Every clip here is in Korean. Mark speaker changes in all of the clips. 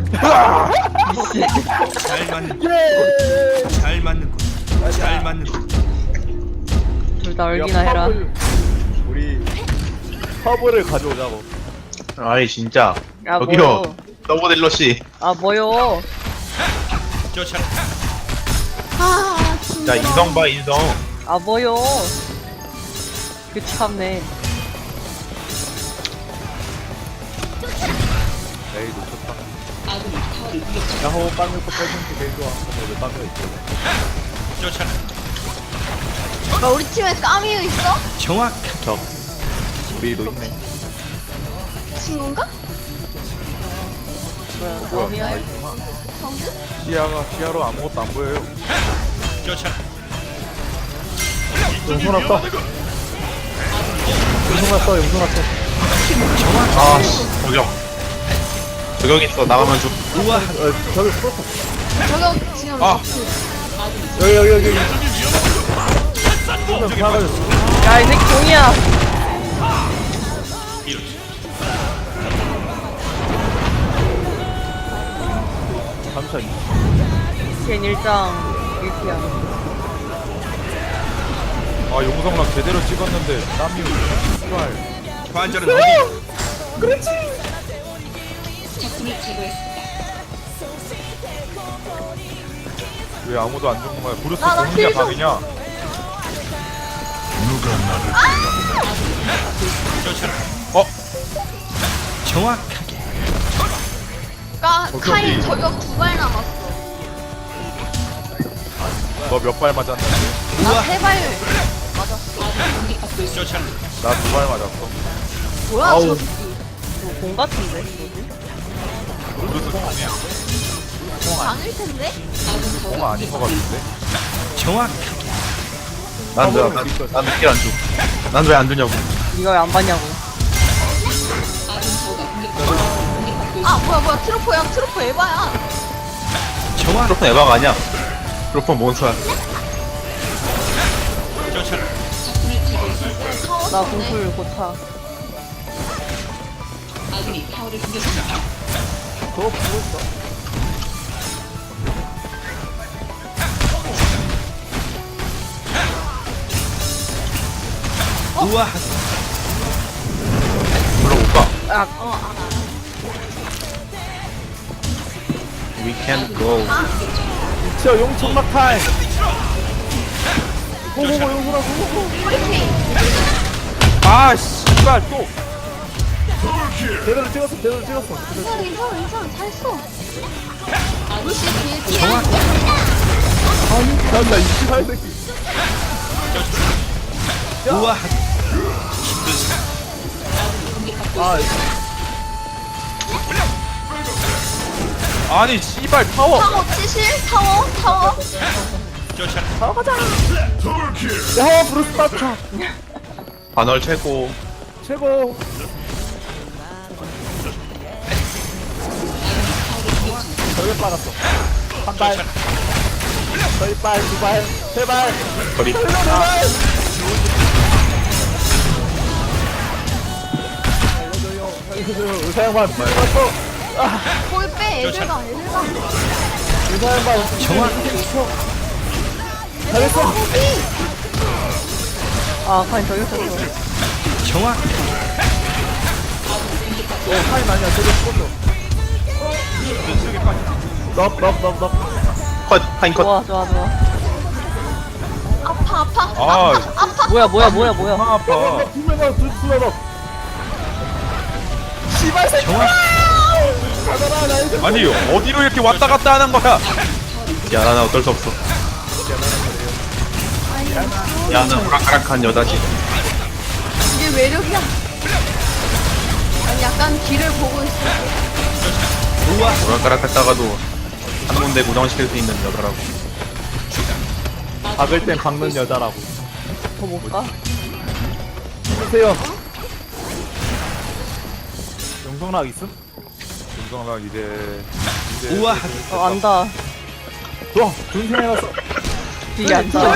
Speaker 1: 잘 맞는
Speaker 2: 예!
Speaker 1: 잘 맞는 거. 잘 맞는 거.
Speaker 3: 둘 다 얼기나 해라.
Speaker 2: 우리 허브를 가져오자고.
Speaker 4: 아이 진짜
Speaker 3: 야
Speaker 4: 저기요
Speaker 3: 뭐요?
Speaker 4: 서브딜러씨
Speaker 3: 아 뭐요?
Speaker 1: 쫓아라.
Speaker 5: 아
Speaker 4: 자 인성 봐 인성
Speaker 3: 아 뭐요? 그 참네.
Speaker 2: 에이 놓쳤다. 야호 빵 먹고 빼준 게 제일 좋아. 근데 왜 빵이 있어?
Speaker 1: 쫓아라.
Speaker 5: 야, 우리 팀에 까미유 있어?
Speaker 1: 정확.
Speaker 2: 적. 우리도 있네.
Speaker 5: 친구인가?
Speaker 3: 뭐야?
Speaker 2: 뭐야?
Speaker 3: 어미야?
Speaker 2: 아 있구나.
Speaker 5: 정수?
Speaker 2: 시야로 아무것도 안 보여요.
Speaker 1: 쫓아라.
Speaker 2: 용손 왔어. 용손 왔어. 용손 왔어.
Speaker 4: 아씨 저격 있어 나가면 좀
Speaker 1: 우와.
Speaker 2: 저기 풀었어.
Speaker 5: 저격 지금
Speaker 4: 아.
Speaker 2: 여기. 좀 나가졌어.
Speaker 3: 야 이 새끼 종이야.
Speaker 2: 잠시만.
Speaker 3: 걘 일장 일피야.
Speaker 2: 아 용성락 제대로 찍었는데 땀이 씨발.
Speaker 1: 관절은 어디?
Speaker 2: 왜 아무도 안 죽는 거야? 브루스
Speaker 5: 나
Speaker 2: 공이냐
Speaker 5: 킬 좀.
Speaker 2: 방이냐?
Speaker 1: 쫓아라.
Speaker 4: 어?
Speaker 1: 정확하게.
Speaker 5: 카인 저격 2발 남았어.
Speaker 2: 너 몇 발 맞았는데?
Speaker 5: 나 3발 맞았어.
Speaker 1: 쫓아라.
Speaker 2: 나 2발 맞았어.
Speaker 5: 뭐야
Speaker 4: 아우.
Speaker 5: 저 새끼.
Speaker 3: 공 같은데 뭐지?
Speaker 2: 브루스 공이야.
Speaker 5: 장일 텐데?
Speaker 2: 공 아닌 거 같은데?
Speaker 1: 정확하게.
Speaker 4: 난왜난 왜 안 주냐고
Speaker 3: 네가 왜 안 봤냐고.
Speaker 5: 아 뭐야 트로퍼야 트로퍼 에바야.
Speaker 1: 정확.
Speaker 4: 트로폰 에바가 아니야 트로폰 몬스터야
Speaker 1: 쫓아라.
Speaker 3: 나 공풀 고차.
Speaker 2: 저 브루스.
Speaker 1: 우와.
Speaker 4: 불러볼까?
Speaker 3: 아
Speaker 4: We can't go
Speaker 2: 저 용천막 타임. 고고고 용선아 고고고. 아 씨발 또. 제대로 찍었어.
Speaker 5: 괜찮아 잘했어. 루시 뒤에
Speaker 1: 정확.
Speaker 2: 난나 28 새끼.
Speaker 1: 우와.
Speaker 2: 아니 씨발 파워.
Speaker 5: 타워 치실? 타워?
Speaker 1: 쫓아라.
Speaker 2: 야 브루스 빠차.
Speaker 4: 반월 최고
Speaker 2: 최고. 저기 빨았어. 한 발. 저기 발, 두 발, 세 발.
Speaker 4: 거리
Speaker 2: 의사양반 피해갔어.
Speaker 5: 거기 빼 애들 가.
Speaker 2: 의사양반
Speaker 1: 정확.
Speaker 2: 잘했어.
Speaker 3: 아 카인 저기 있었어.
Speaker 1: 정확.
Speaker 2: 타임 아니야. 저기 죽었어. 넙.
Speaker 4: 컷 파인 컷
Speaker 3: 좋아.
Speaker 5: 아파
Speaker 2: 아,
Speaker 3: 뭐야.
Speaker 2: 아, 아파. 두명아, 두명아. 씨발 새끼. 아니 어디로 이렇게 왔다 갔다 하는 거야?
Speaker 4: 야 나는 어쩔 수 없어 야는 오락가락한 여자지
Speaker 5: 이게 매력이야. 아니 약간 길을 보고 있어.
Speaker 1: 우와.
Speaker 4: 오락가락했다가도 한 군데 고정시킬 수 있는 여자라고
Speaker 2: 박을 땐 박는 여자라고.
Speaker 3: 더 못 가?
Speaker 2: 보세요. 용성락 있음? 용성락 이제
Speaker 1: 우와.
Speaker 3: 안다.
Speaker 2: 좋아. 준생해놨어.
Speaker 3: 뒤에 안다.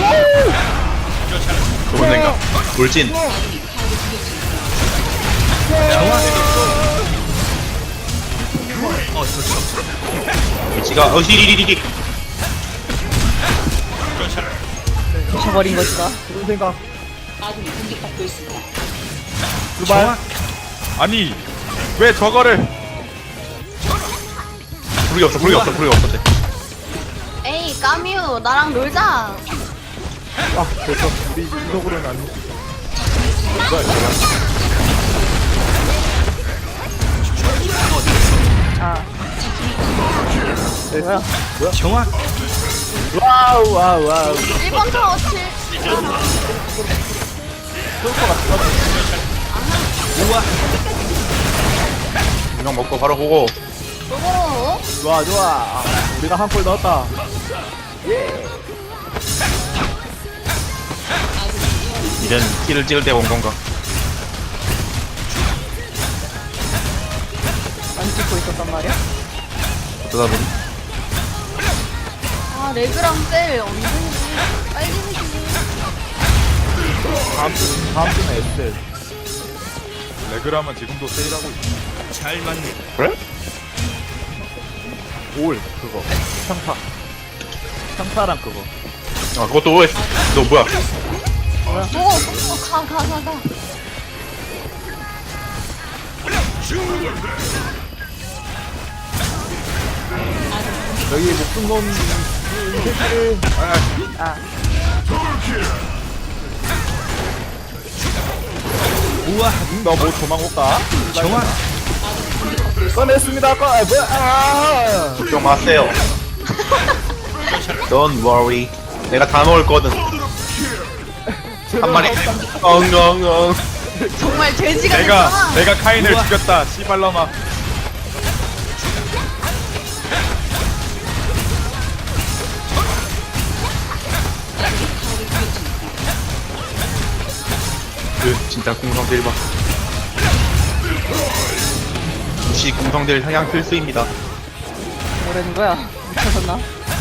Speaker 4: 좋은 생각 돌진
Speaker 1: 정확. 어쩔 수 없어.
Speaker 4: 위치가 어시리리리리.
Speaker 1: 쫓아라.
Speaker 3: 부셔버린 것이다.
Speaker 2: 무슨 생각? 두발.
Speaker 1: 정확.
Speaker 6: 아니 왜 저거를
Speaker 4: 부르기 없어 부르기 없어 부르기 없어.
Speaker 5: 에이 까뮤 나랑 놀자.
Speaker 2: 아, 그래서 우리 인덕으로는 안.
Speaker 3: 아. 뭐야?
Speaker 1: 정확.
Speaker 2: 와우, 와우, 와우.
Speaker 5: 1번 타워 7.
Speaker 1: 우와.
Speaker 4: 그냥 먹고 바로 보고.
Speaker 5: 오.
Speaker 2: 좋아, 좋아. 아, 우리가 한 골 넣었다.
Speaker 4: 이젠 키를 찍을 때가 온 건가?
Speaker 3: 안 찍고 있었단 말이야?
Speaker 4: 어쩌다 보니.
Speaker 5: 아 레그랑 셀 언제지? 빨리 해주지.
Speaker 2: 다음 주는 엑셀.
Speaker 6: 레그라면 지금도 세일하고 있어.
Speaker 1: 잘 맞네.
Speaker 4: 그래?
Speaker 2: 올, 그거. 평타. 평타랑 그거.
Speaker 4: 아 그것도 OS. 너 뭐야?
Speaker 5: 가.
Speaker 2: 여기 목숨 놓은 이 새끼를.
Speaker 3: 아.
Speaker 1: 우와.
Speaker 2: 너뭐 도망 못 가?
Speaker 1: 정확.
Speaker 2: 꺼냈습니다. 뭐야? 아!
Speaker 4: 걱정 마세요. Don't worry. 내가 다 먹을 거든. 한 마리. 엉엉엉.
Speaker 5: 정말 돼지가 됐잖아.
Speaker 6: 내가 카인을
Speaker 1: 우와.
Speaker 6: 죽였다. 씨발놈아.
Speaker 4: 진짜 공성들 봐. 역시 공성들 상향 필수입니다.
Speaker 3: 뭐라는 거야? 미쳐졌나?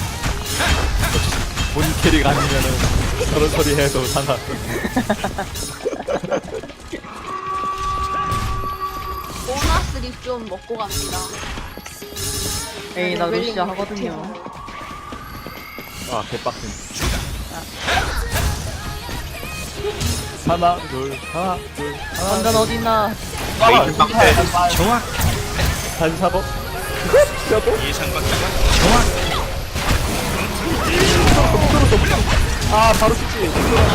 Speaker 2: 본 캐릭 아니면은 저런 소리 해도 상관.
Speaker 5: 보너스 립좀 먹고 갑니다.
Speaker 3: 에이, 나 루시아 하거든요.
Speaker 2: 아, 개빡친. 하나, 둘, 하나, 둘, 하나.
Speaker 3: 완전 어딨나?
Speaker 4: 메이트 빵태.
Speaker 1: 정확.
Speaker 2: 다시 사고.
Speaker 1: 예상 밖이야. 정확.
Speaker 2: 아, 바로 죽지.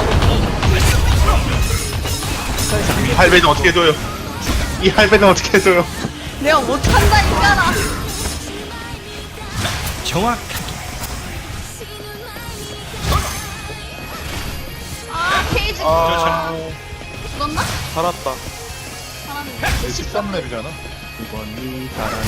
Speaker 4: 이 할배는 어떻게 해줘요? 이 할배는 어떻게 해줘요?
Speaker 5: 내가 못한다니까나.
Speaker 1: 정확.
Speaker 5: 아 케이지
Speaker 6: 아
Speaker 5: 죽었나?
Speaker 6: 살았다.
Speaker 5: 살았는데.
Speaker 6: 13렙이잖아.
Speaker 4: 이번이 사람.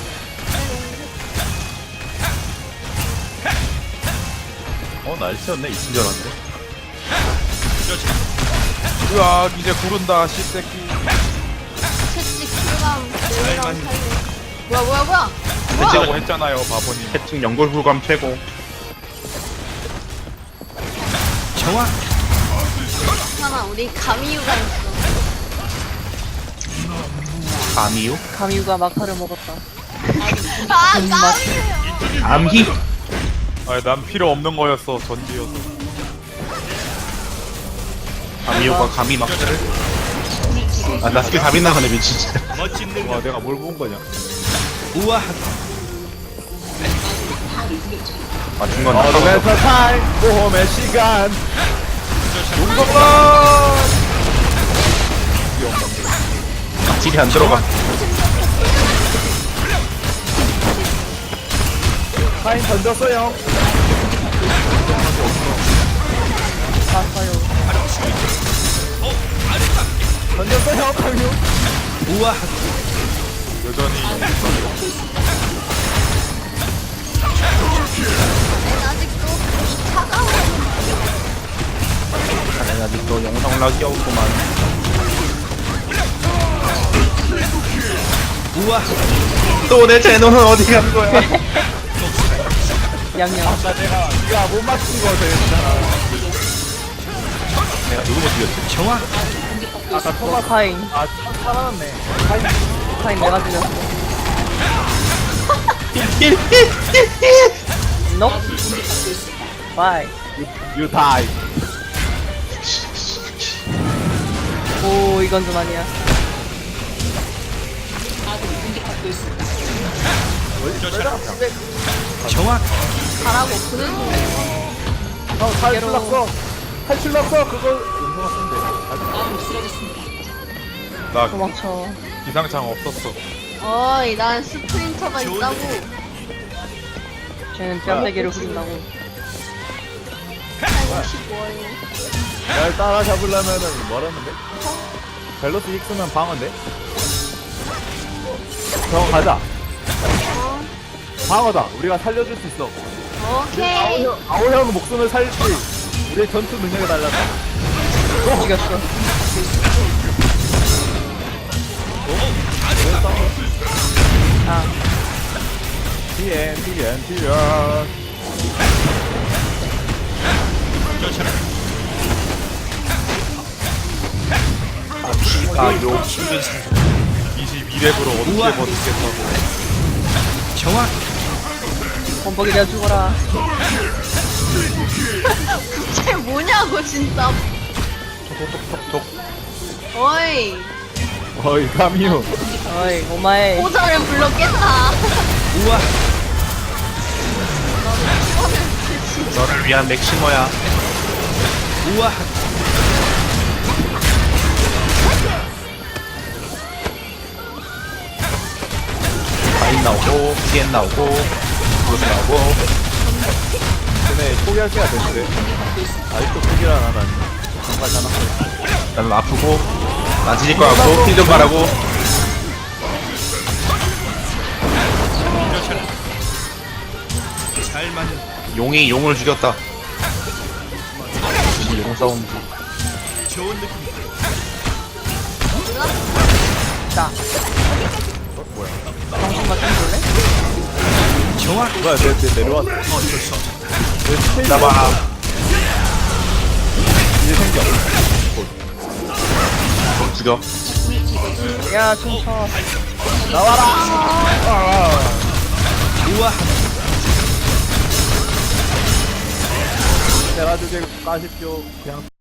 Speaker 4: 날씨였네. 이친 줄 알았는데.
Speaker 1: 쫓아라.
Speaker 6: 으악 이제 구른다 씨새끼.
Speaker 5: 채찍 킬감 레그랑
Speaker 1: 맞네.
Speaker 5: 살려. 뭐야?
Speaker 6: 했다고 했잖아요 바보님.
Speaker 4: 해충 연골 굴감 최고.
Speaker 1: 정확.
Speaker 5: 괜찮아 우리 가미유가 있어.
Speaker 4: 감이요?
Speaker 3: 가미우가 마카를 먹었다.
Speaker 5: 아 가미유요.
Speaker 4: 암희?
Speaker 6: 아니 난 필요 없는 거였어 전지여서.
Speaker 4: 감이요가 감이 막. 나 스킬 다 빗나가네 미친 진짜.
Speaker 1: 멋진
Speaker 2: 와,
Speaker 1: 능력.
Speaker 2: 내가 뭘 본 거냐?
Speaker 1: 우와.
Speaker 4: 맞은 건
Speaker 2: 어드벤처 타임! 모험의 시간!
Speaker 4: 딜이 안 들어가.
Speaker 2: 타임 던졌어요.
Speaker 3: 봤어요.
Speaker 2: 던졌어요, 강유.
Speaker 1: 우와.
Speaker 6: 여전히
Speaker 5: 난 아직도 차가워.
Speaker 4: 나는 아직도 영상 올라가기 없구만.
Speaker 1: 우와.
Speaker 4: 또 내 제노는 어디 간 거야?
Speaker 3: 양양.
Speaker 2: 아까 네가 못 맞춘 거 되겠잖아.
Speaker 4: 내가 누구 못 죽였지?
Speaker 1: 정확.
Speaker 2: 아까 토마스.
Speaker 3: 카인.
Speaker 2: 아, 살아났네.
Speaker 3: 카인 내가 죽였어. 너? 바이.
Speaker 2: You die.
Speaker 3: 오, 이건 좀 아니야.
Speaker 1: 정확.
Speaker 5: 가라고 그는
Speaker 2: 형 탈출 났어. 탈출 났어. 그거 용서가 쓰면 돼.
Speaker 6: 나
Speaker 3: 도망쳐.
Speaker 6: 기상창 없었어.
Speaker 5: 어이 난 스프린터가 있다고.
Speaker 3: 쟤는 뺨대기를 후린다고.
Speaker 5: 살고 싶어요.
Speaker 2: 날 따라잡으려면은 뭐라는데? 밸런스 힉스면 방어인데? 형 가자. 방어다. 우리가 살려줄 수 있어.
Speaker 5: 오케이.
Speaker 2: 아오형 목숨을 살릴지 우리의 전투 능력에 달렸다.
Speaker 3: 죽였어. 아,
Speaker 2: TN.
Speaker 1: 쫓아라.
Speaker 4: 아요.
Speaker 1: 힘든 상.
Speaker 6: 22렙으로 어떻게
Speaker 1: 우와.
Speaker 6: 버티겠다고.
Speaker 1: 정확.
Speaker 3: 범벅이 내가 죽어라.
Speaker 5: 쟤 뭐냐고 진짜.
Speaker 6: 톡톡톡톡.
Speaker 5: 어이
Speaker 2: 어이 카미유.
Speaker 3: 어이, 오마에.
Speaker 5: 오전을 불렀겠다.
Speaker 1: 우와.
Speaker 4: 너를 위한 맥시머야.
Speaker 1: 우와.
Speaker 4: 바인 나오고, TN 나오고, 그것도 나오고.
Speaker 2: 쟤네 포기할 때가 됐는데. 아직도 포기를 안 하다니. 정말잖아.
Speaker 4: 나는 아프고, 난 지질 거 같고, 힐 좀 바라고.
Speaker 1: 쫓아라. 잘 맞는.
Speaker 4: 용이 용을 죽였다. 무슨 용 싸움.
Speaker 1: 좋은 느낌.
Speaker 3: 자. 정신만 좀 볼래?
Speaker 1: 정확.
Speaker 2: 뭐야 내 내려왔어.
Speaker 1: 어쩔 수 없어.
Speaker 2: 내 스테이지
Speaker 4: 나봐.
Speaker 2: 이제 생겨.
Speaker 4: 좀 죽여.
Speaker 3: 야, 춤춰.
Speaker 1: 우와.
Speaker 2: 내가 주제 까십시오. 그냥